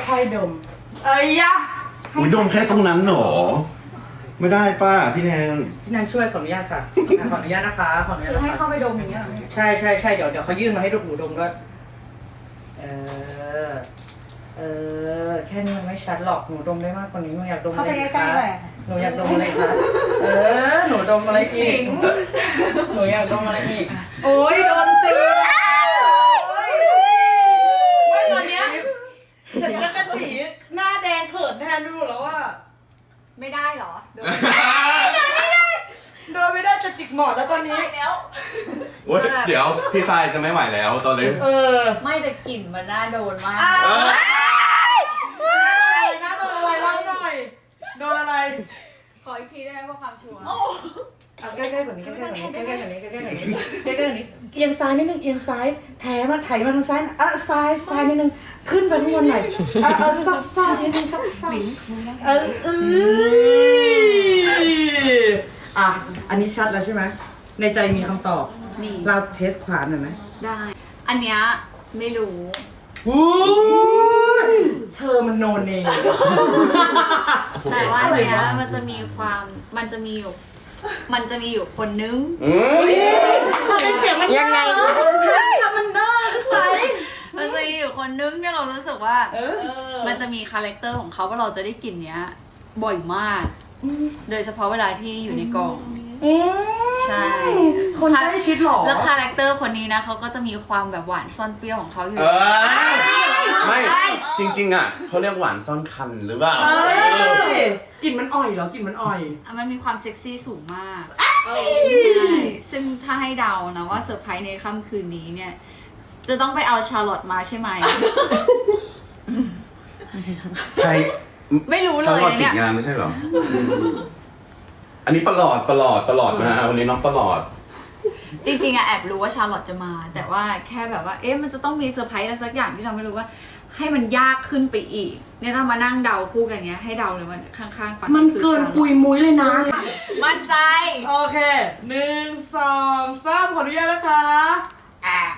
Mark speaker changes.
Speaker 1: ค่อยๆดมเอ้ยยะ
Speaker 2: อุ้ยดมแค่ตรงนั้นเหรอไม่ได้ป้าพี่แนน
Speaker 1: พี่นันช่วยขออนุญาตค่ะขออนุญาตนะคะขออนุญาต
Speaker 3: คือ
Speaker 1: นะ
Speaker 3: ให้
Speaker 1: คะ
Speaker 3: เข้าไปดมอย่างเงี้ย
Speaker 1: ใช่เดี๋ยวเขายื่นมาให้ดูหนูดมด้วยแค่นี้มันไม่ชัดหรอกหนูดมได้มากกว่านี้หนูอยากดมอะไรอีกคะหนูอยากดมอะไรคะหนูดมอะไรอีกหนูอยากดมอะไรอีกโอ้ยโดนตีไม่ตอนเนี้ยฉันจะกระจีหน้าแดงเขินแทนดูแล้วว่า
Speaker 3: ไม่ได้เหรอโดน
Speaker 1: โดนไม่ได้จะจิกหมอนแล้วตอนนี้แล้ว
Speaker 2: โอ้ยเดี๋ยวพี่ทรายจะไม่ไหวแล้วตอนนี้
Speaker 3: ไม่แต่กลิ่นมันน่าโดนมาก
Speaker 1: นะโดนอะไรเล่าหน่อยโดนอะไร
Speaker 3: ขออีกทีได้ไหมเพื่อความชัวร์
Speaker 1: เอาใกล้ๆกว่านี้ใกล้ๆกว่านี้ใกล้ๆกว่านี้ใกล้ๆกว่านี้ใกล้ๆกว่านี้เอียงซ้ายนิดนึงเอียงซ้ายแถมาไถมาทางซ้ายซ้ายนิดนึงขึ้นไปข้างบนหน่อยซอกนิดนึงซอกอันนี้ชัดแล้วใช่ไหมในใจมีคำตอบ
Speaker 3: นี่
Speaker 1: เราเทสขวานหน่อยไหม
Speaker 3: ได้ อันเนี้ยไม่รู้
Speaker 1: เธอมันโนเนม
Speaker 3: แต่ว่าอันเนี้ยมันจะมีอยู่คนนึง
Speaker 1: ทำไมเสียงมันยังไงคะทำมันน่าไหน
Speaker 3: มันจะมีอยู่คนนึงเนี่ยเรารู้สึกว่ามันจะมีคาแรคเตอร์ของเขาว่าเราจะได้กลิ่นเนี้ยบ่อยมาก โดยเฉพาะเวลาที่อยู่ในกองใช่
Speaker 1: คนใกล้ชิดหรอ
Speaker 3: แล้วคาแรคเตอร์คนนี้นะเขาก็จะมีความแบบหวานซ่อนเปรี้ยวของเขาอยู่
Speaker 2: ไม่จริงๆอ่ะเขาเรียกหวานซ่อนคันหรือเปล่า
Speaker 1: กลิ่นมันอ่อยเหรอกลิ่นมันอ่อย
Speaker 3: มันมีความเซ็กซี่สูงมากใช่ซึ่งถ้าให้เดานะว่าเซอร์ไพรส์ในค่ำคืนนี้เนี่ยจะต้องไปเอาชาร์ลอตมาใช่ไหม
Speaker 2: ใคร
Speaker 3: ไม่รู้เล
Speaker 2: ฉัน
Speaker 3: ย
Speaker 2: รอ
Speaker 3: นะ
Speaker 2: ติ
Speaker 3: เนี่
Speaker 2: ด
Speaker 3: ย
Speaker 2: งานไม่ใช่เหรออันนี้ประหลอดนะวันนี้น้องประหลอด
Speaker 3: จริงๆอะแอบรู้ว่าชาร์ลอตจะมา แต่ว่าแค่แบบว่าเอ๊ะมันจะต้องมีเซอร์ไพรส์อะไรสักอย่างที่เราไม่รู้ว่า ให้มันยากขึ้นไปอีกเนี่ยเรามานั่งเดาคู่กันเงี้ยให้เดาเลยมันข้างๆฝั่ง
Speaker 1: มันเกินปุยมุ้ยเลยนะ
Speaker 3: มั่นใจ
Speaker 1: โอเค1 2 3ขออนุญาตนะคะ